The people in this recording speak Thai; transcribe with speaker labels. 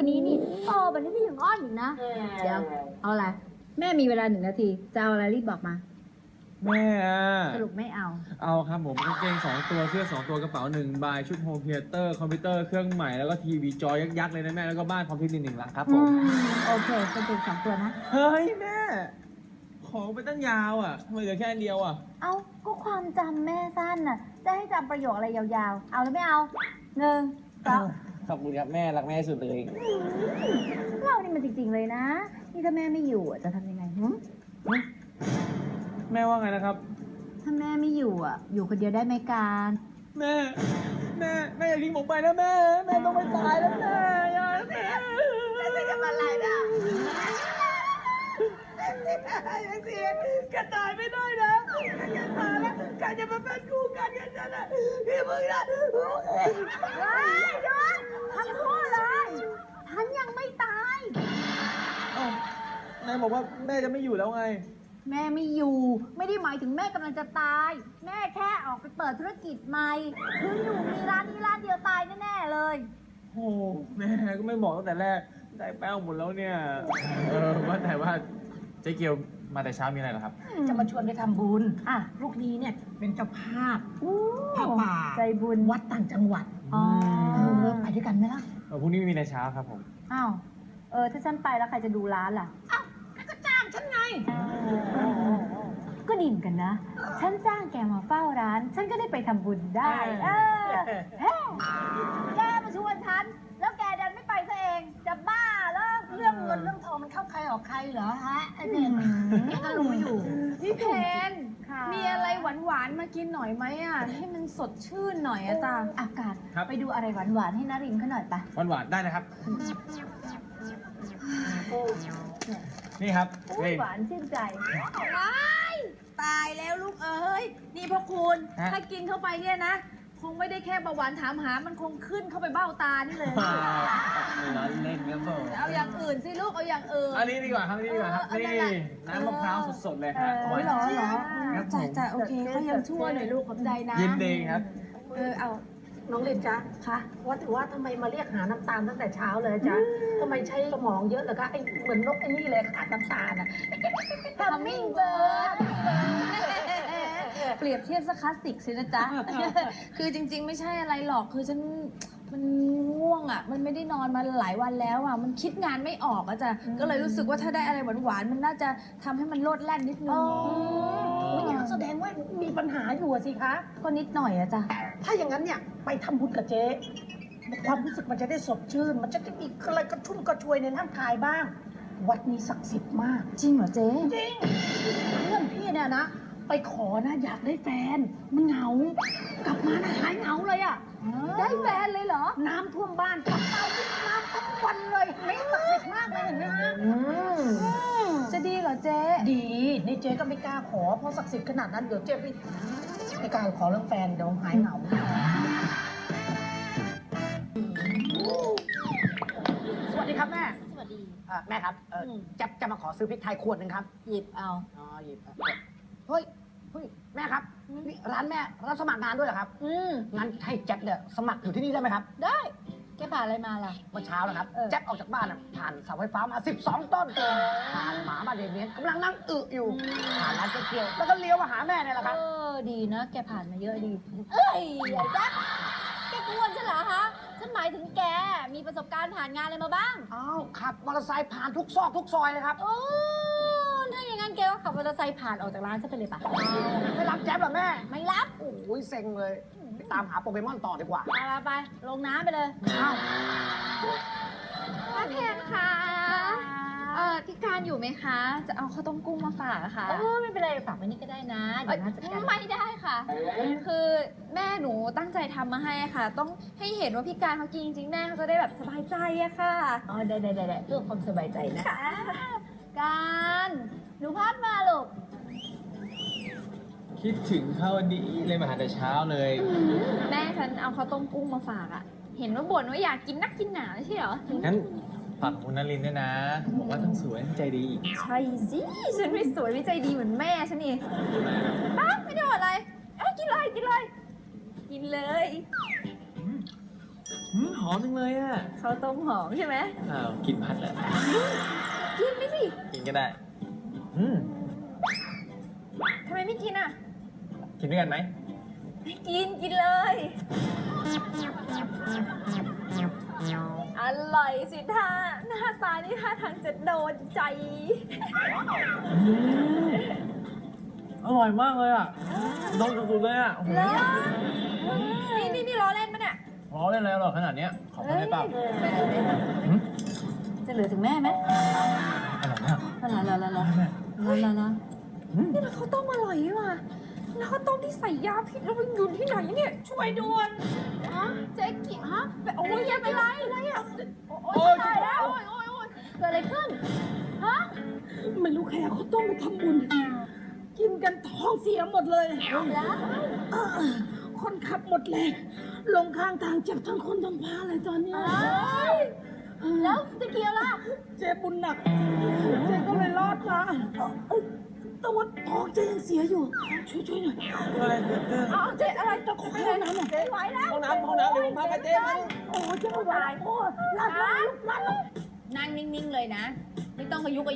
Speaker 1: นี้นี่โตแบบนี้ก็ยังอ้อนอีกนะ เดี๋ยวเอาอะไรแม่มีเวลา1 นาทีจะเอาอะไรรีบบอกมา
Speaker 2: แม่
Speaker 1: สรุปไม่เอา
Speaker 2: ครับผมกางเกง2 ตัวเสื้อ2 ตัวกระเป๋า1 ใบชุดโฮมเธียเตอร์คอมพิวเตอร์เครื่องใหม่แล้วก็ทีวีจอยักษ์ๆเลยนะแม่แล้วก็บ้านพร้อมที่ดิน1 หลังครับผม
Speaker 1: โอเคเป็นเป็น2 ตัวนะ
Speaker 2: เฮ้ยแม่ของไปตั้งยาวอ่ะทำไมเหลือแค่อันเดียวอ่ะ
Speaker 1: เอาก็ความจำแม่สั้นน่ะจะให้จำประโยคอะไรยาวๆเอาหรือไม่เอา1 2
Speaker 2: ขอบคุณครับแม่รักแม่สุดเลย
Speaker 1: เรานี่มันจริงๆเลยนะนี่ถ้าแม่ไม่อยู่จะทำยังไง
Speaker 2: แม่ว่าไงนะครับ
Speaker 1: ถ้าแม่ไม่อยู่อยู่คนเดียวได้ไหมการ
Speaker 2: แม่อย่าทิ้งผมไปนะแม่ต้องไปตายแล้วแม่อย่าแม่
Speaker 1: จะทำอะไรนะ
Speaker 2: ยังเสียกันตายไม่ได้นะกันตายแล้วกันจะมาเป็นคู่กันนั่นแหละพี่มึงนะ
Speaker 1: ว้ายยศทั้งคู่เลยฉันยังไม่ตาย
Speaker 2: นายบอกว่าแม่จะไม่อยู่แล้วไง
Speaker 1: แม่ไม่อยู่ไม่ได้หมายถึงแม่กำลังจะตายแม่แค่ออกไปเปิดธุรกิจใหม่คืออยู่มีร้านนี้ร้านเดียวตายแน่ๆเลย
Speaker 2: โอ้แม่ก็ไม่บอกตั้งแต่แรกได้แป้งหมดแล้วเนี่ยว่าแต่ว่าเจ๊เกียวมาแต่เช้ามีอะไรเหรอครับ
Speaker 3: จะมาชวนไปทำบุญลูกนี้เนี่ยเป็นเจ้าภาพผ้าป่า
Speaker 1: ใจบุญ
Speaker 3: วัดต่างจังหวัดไปด้วยกันไหมล่ะ
Speaker 2: พรุ่งนี้มีในเช้าครับผม
Speaker 1: อ้าวถ้าฉันไปแล้วใครจะดูร้านล่ะ
Speaker 3: อ้าวก็จ้างฉันไง
Speaker 1: ก็ดีเหมือนกันนะฉันจ้างแกมาเฝ้าร้านฉันก็ได้ไปทำบุญได้แกมาชวนฉันแล้วแกดันไม่ไปซะเองจะบ้าเ
Speaker 3: รื่องเงินเรื่องทองมันเข้าใครออกใครเหรอฮะไอ้เนี่ยแกก็รู้อยู่
Speaker 4: พี่เพนมีอะไรหวานๆมากินหน่อยไหมให้มันสดชื่นหน่อยจ้า
Speaker 1: อากาศไปดูอะไรหวานๆให้นารินเขาหน่อยปะ
Speaker 2: หวานๆได้นะครับนี่ครับ
Speaker 1: หวานชื่นใจ
Speaker 4: ตายแล้วลูกเอ้ยนี่พ่อคุณถ้ากินเข้าไปเนี่ยนะคงไม่ได้แค่เบาหวานถามหามันคงขึ้นเข้าไปเบ้าตานี่เลย
Speaker 2: เล่นกันต่อ
Speaker 4: เอาอย่างอื่นสิลูกเอาอย่างอื่น
Speaker 2: อันนี้ดีกว่าครับนี่น้ำมะพร้าวสดๆเลยครับ
Speaker 4: หรอจ่าโอเคก็ยังชั่วหน่อยลูกขอบใจนะ
Speaker 2: ยินดีครับ
Speaker 3: เอาน้องเรนจ๊ะ
Speaker 4: ค่ะ
Speaker 3: ว่าถือว่าทำไมมาเรียกหาน้ำตาลตั้งแต่เช้าเลยจ๊ะทำไมใช้สมองเยอะเหรอคะไอเหมือนนกไอ้นี่เลยขาดน้ำตาล
Speaker 4: ฮัมมิงเบิร์ดเปรียบเทียบซะคลาสสิกสินะจ๊ะคือจริงๆไม่ใช่อะไรหรอกคือฉันมันง่วงมันไม่ได้นอนมาหลายวันแล้วมันคิดงานไม่ออกจ้ะก็เลยรู้สึกว่าถ้าได้อะไรหวานๆมันน่าจะทำให้มันโลดแล่นนิดนึง
Speaker 3: อย่างแสดงว่ามีปัญหาอยู่สิคะ
Speaker 4: ก็นิดหน่อยจ้ะ
Speaker 3: ถ้าอย่างนั้นเนี่ยไปทำบุญกับเจ๊ความรู้สึกมันจะได้สดชื่นมันจะได้มีอะไรกระชุ่มกระชวยในร่างกายบ้างวัดนี้ศักดิ์สิทธิ์มาก
Speaker 4: จริงเหรอเจ๊
Speaker 3: จริงเพื่อนพี่เนี่ยนะไปขอนะอยากได้แฟนมันเหงากลับมาหายเหงาเลย
Speaker 4: ได้แฟนเลยเหรอ
Speaker 3: น้ำท่วมบ้านกลับมาวิ่งน้ำทั้งวันเลยไม่ศักดิ์สิทธิ์มากเลยเห็นไหมฮะ
Speaker 4: จะดีเหรอเจ๊
Speaker 3: ดีนี่เจ๊ก็ไม่กล้าขอเพราะศักดิ์สิทธิ์ขนาดนั้นเดี๋ยวเจ๊ไม่กล้าขอเรื่องแฟนเดี๋ยวหายเหงาสวัสดีครับแม่
Speaker 4: สวัสดี
Speaker 3: แม่ครับจะมาขอซื้อพริกไทยขวดนึงครับ
Speaker 4: หยิบเอา
Speaker 3: หยิบเฮ้ยแม่ครับนี่ร้านแม่รับสมัครงานด้วยเหรอครับงั้นให้แจ็คเนี่ยสมัครอยู่ที่นี่ได้ไหมครับ
Speaker 4: ได้แกผ่านอะไรมาล่ะ
Speaker 3: เมื่อเช้านะครับแจ็คออกจากบ้านผ่านเสาไฟฟ้ามา12 ต้นผ่านหมาบ้านเดเมียนกำลังนั่งอยู่ผ่านร้านเจ๊เกียวแล้วก็เลี้ยวมาหาแม่เนี่ยแหละครับ
Speaker 4: ดีนะแกผ่านมาเยอะดีเอ้ยไอ้แจ็คแกกวนฉันเหรอคะฉันหมายถึงแกมีประสบการณ์ผ่านงานอะไรมาบ้าง
Speaker 3: อ้าวขับมอเตอร์ไซค์ผ่านทุกซอกทุกซอยเลยครับ
Speaker 4: ถ้าอย่างนั้นแกก็ขับมอเตอร์ไซค์ผ่านออกจากร้านฉันไปเลยปะ
Speaker 3: ไม่รับแจ๊บเหรอแม่
Speaker 4: ไม่รับ
Speaker 3: โอ้ยเซ็งเลยไปตามหาโปเกมอนต่อดีกว่า
Speaker 4: ไปลงน้ำไปเลย
Speaker 1: ป้าแพนค่ะพี่การอยู่ไหมคะจะเอาข้าวต้มกุ้งมาฝากค่ะ
Speaker 4: ไม่เป็นไรฝากไว้นี่ก็ได้นะเดี๋ยวน่าจะ
Speaker 1: ไม่ได้ค่ะคือแม่หนูตั้งใจทำมาให้ค่ะต้องให้เห็นว่าพี่การเขากินจริงๆแม่เขาจะได้แบบสบายใจอะค่ะ
Speaker 4: ได้เพื่อความสบายใจนะ
Speaker 1: การหนูพัดมาลูก
Speaker 2: คิดถึงข้าวดีเลยมาหาแต่เช้าเลย
Speaker 1: แม่ฉันเอาข้าวต้มกุ้งมาฝากอะเห็นว่าบ่นว่าอยากกินนักกินหนาใช่เหรอ
Speaker 2: งั้นฝากคุณนรินด้วยนะบอกว่าทั้งสวยทั้งใจดี
Speaker 1: ใช่สิฉันไม่สวยไม่ใจดีเหมือนแม่ฉันนี่ป้าไม่ได้อะไรกินเลยกินเลย
Speaker 2: หอมจังเลยอ่ะ
Speaker 4: ข้าวต้มหอมใช่ไหม
Speaker 2: อ้าวกินพัดแล้ว
Speaker 4: กินไม่สิ
Speaker 2: กินก็ได้
Speaker 4: ทำไมไม่กินอ่ะ
Speaker 2: กินด้วยกันไหม
Speaker 4: ไม่กินกินเลย อร่อยสิท่าหน้าตานี่ท่าทางจะโดนใจ
Speaker 2: อร่อยมากเลยอ่ะโดนสุดๆเลยอ่ะ
Speaker 4: แล้วนี่ล้อเล่นปะเนี่ย
Speaker 2: ร้อเล่นอะไรอร่อยขนาดเนี้ยขอบคุณได้เปล่า
Speaker 4: จะเหลือถึงแม่ไหม
Speaker 2: อร่อยมาก
Speaker 4: อะไรนี่มันข้าวต้มอร่อยนี่ว่ะแล้วข้าวต้มที่ใส่ยาพิษแล้วมันอยู่ที่ไหนเนี่ยช่วยด่วนเจ๊กิฮะโอ้ยยังไม่ไรอะไรอ่ะโอ้ยตายแล้วโอ้ย
Speaker 1: เกิดอะไรขึ้น ฮะ
Speaker 3: ไม่รู้ใครเอาข้าวต้มไปทำบุญ กินกันท้องเสียหมดเลย
Speaker 1: แล้ว
Speaker 3: คนขับหมดแรงลงข้างทางเจ็บทั้งคนทั้งพาเลยตอนเนี้ย
Speaker 1: แล้วจะเกี่ยวล่ะ
Speaker 3: เจ็บบุญหนัก เจ๊ก็เลยรอดมาแต่ว่าท้องเจ๊ยังเสียอยู่ ช่วยหน่อย
Speaker 2: อะไร
Speaker 3: เอาเจ๊อะไรตะโกนห้องน้ำหน่อย
Speaker 1: ไม่ไหวแล้ว
Speaker 2: ห้องน้ำเดี๋ยวผมพาไปเจ๊มา
Speaker 3: โอ้เจ๊ไม่ไหวโอ้ลาดลง
Speaker 4: นั่งนิ่งๆเลยนะ ไม่ต้องกระยุก